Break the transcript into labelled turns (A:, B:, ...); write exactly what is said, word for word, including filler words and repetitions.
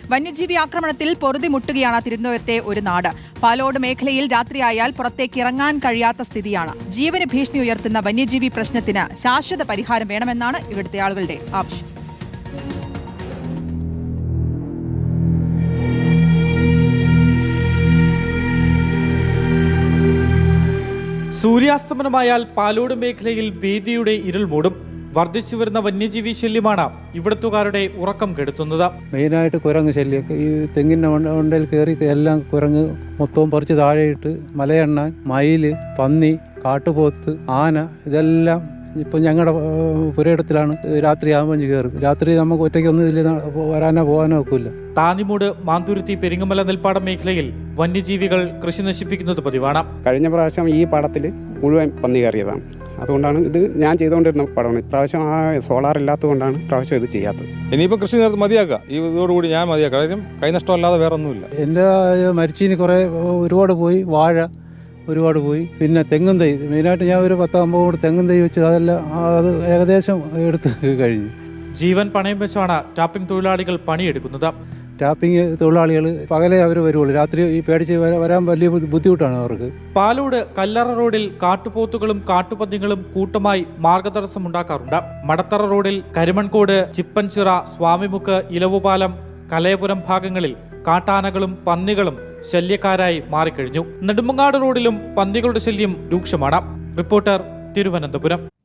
A: വന്യജീവി ആക്രമണത്തിൽ പൊറുതിമുട്ടുകയാണ് തിരുവനന്തപുരത്തെ ഒരു നാട്. പാലോട് മേഖലയിൽ രാത്രിയായാൽ പുറത്തേക്ക് ഇറങ്ങാൻ കഴിയാത്ത സ്ഥിതിയാണ്. ജീവന് ഭീഷണി ഉയർത്തുന്ന വന്യജീവി പ്രശ്നത്തിന് ശാശ്വത പരിഹാരം വേണമെന്നാണ് ഇവിടുത്തെ ആളുകളുടെ ആവശ്യം.
B: സൂര്യാസ്തമനമായാൽ പാലോട് മേഖലയിൽ ഭീതിയുടെ ഇരുൾ മൂടും. വർദ്ധിച്ചു വരുന്ന വന്യജീവി ശല്യമാണ് ഇവിടത്തുകാരുടെ ഉറക്കം കെടുത്തുന്നത്.
C: മെയിനായിട്ട് കുരങ്ങ് ശല്യം. ഈ തെങ്ങിൻ്റെ മണ്ടയിൽ കയറി എല്ലാം കുരങ്ങ് മൊത്തവും പറിച്ച് താഴെയിട്ട് മലയെണ്ണ, മയില്, പന്നി, കാട്ടുപോത്ത്, ആന ഇതെല്ലാം ഇപ്പം ഞങ്ങളുടെ പുരയിടത്തിലാണ് രാത്രിയാകുമ്പോൾ കയറും. രാത്രി നമുക്ക് ഒറ്റയ്ക്കൊന്നും ഇതിൽ വരാനോ പോകാനോ ഒക്കില്ല.
B: താന്നിമൂട്, മാന്തുരുത്തി, പെരിങ്ങമല, നെൽപ്പാടം മേഖലയിൽ വന്യജീവികൾ കൃഷി നശിപ്പിക്കുന്നത് പതിവാണ്.
D: കഴിഞ്ഞ പ്രാവശ്യം ഈ പടത്തിൽ മുഴുവൻ പന്നി കയറിയതാണ്. അതുകൊണ്ടാണ് ഇത് ഞാൻ ചെയ്തുകൊണ്ടിരുന്ന പടമാണ്. ഇപ്രാവശ്യം ആ സോളാർ ഇല്ലാത്തതുകൊണ്ടാണ് ഇപ്രാവശ്യം ഇത് ചെയ്യാത്തത്.
E: ഇനിയിപ്പോൾ കൃഷി നേരത്തെ മതിയാക്കുക. ഈ ഇതോടുകൂടി ഞാൻ മതിയാക്കുക. കാര്യം കൈനഷ്ടമല്ലാതെ വേറെ ഒന്നുമില്ല.
C: എൻ്റെ മരിച്ചീനി കുറേ ഒരുപാട് പോയി, വാഴ ഒരുപാട് പോയി. പിന്നെ തെങ്ങും തൈ, മെയിനായിട്ട് ഞാൻ ഒരു പത്തമ്പത് കൂടി തെങ്ങും തൈ വെച്ച് അതെല്ലാം അത് ഏകദേശം എടുത്ത് കഴിഞ്ഞു.
B: ജീവൻ പണയം വെച്ചാണ് ടാപ്പിംഗ് തൊഴിലാളികൾ പണിയെടുക്കുന്നത്.
C: ടാപ്പിംഗ് തൊഴിലാളികൾ പകലേ അവർ വരുള്ളൂ. രാത്രി ഈ പേടിച്ച് വരാൻ വലിയ ബുദ്ധിമുട്ടാണ് അവർക്ക്.
B: പാലോട് കല്ലറ റോഡിൽ കാട്ടുപോത്തുകളും കാട്ടുപന്നികളും കൂട്ടമായി മാർഗതടസ്സം ഉണ്ടാക്കാറുണ്ട്. മടത്തറ റോഡിൽ കരിമൺകോട്, ചിപ്പൻചിറ, സ്വാമിമുക്ക്, ഇലവുപാലം, കലയപുരം ഭാഗങ്ങളിൽ കാട്ടാനകളും പന്നികളും ശല്യക്കാരായി മാറിക്കഴിഞ്ഞു. നെടുമങ്ങാട് റോഡിലും പന്നികളുടെ ശല്യം രൂക്ഷമാണ്. റിപ്പോർട്ടർ, തിരുവനന്തപുരം.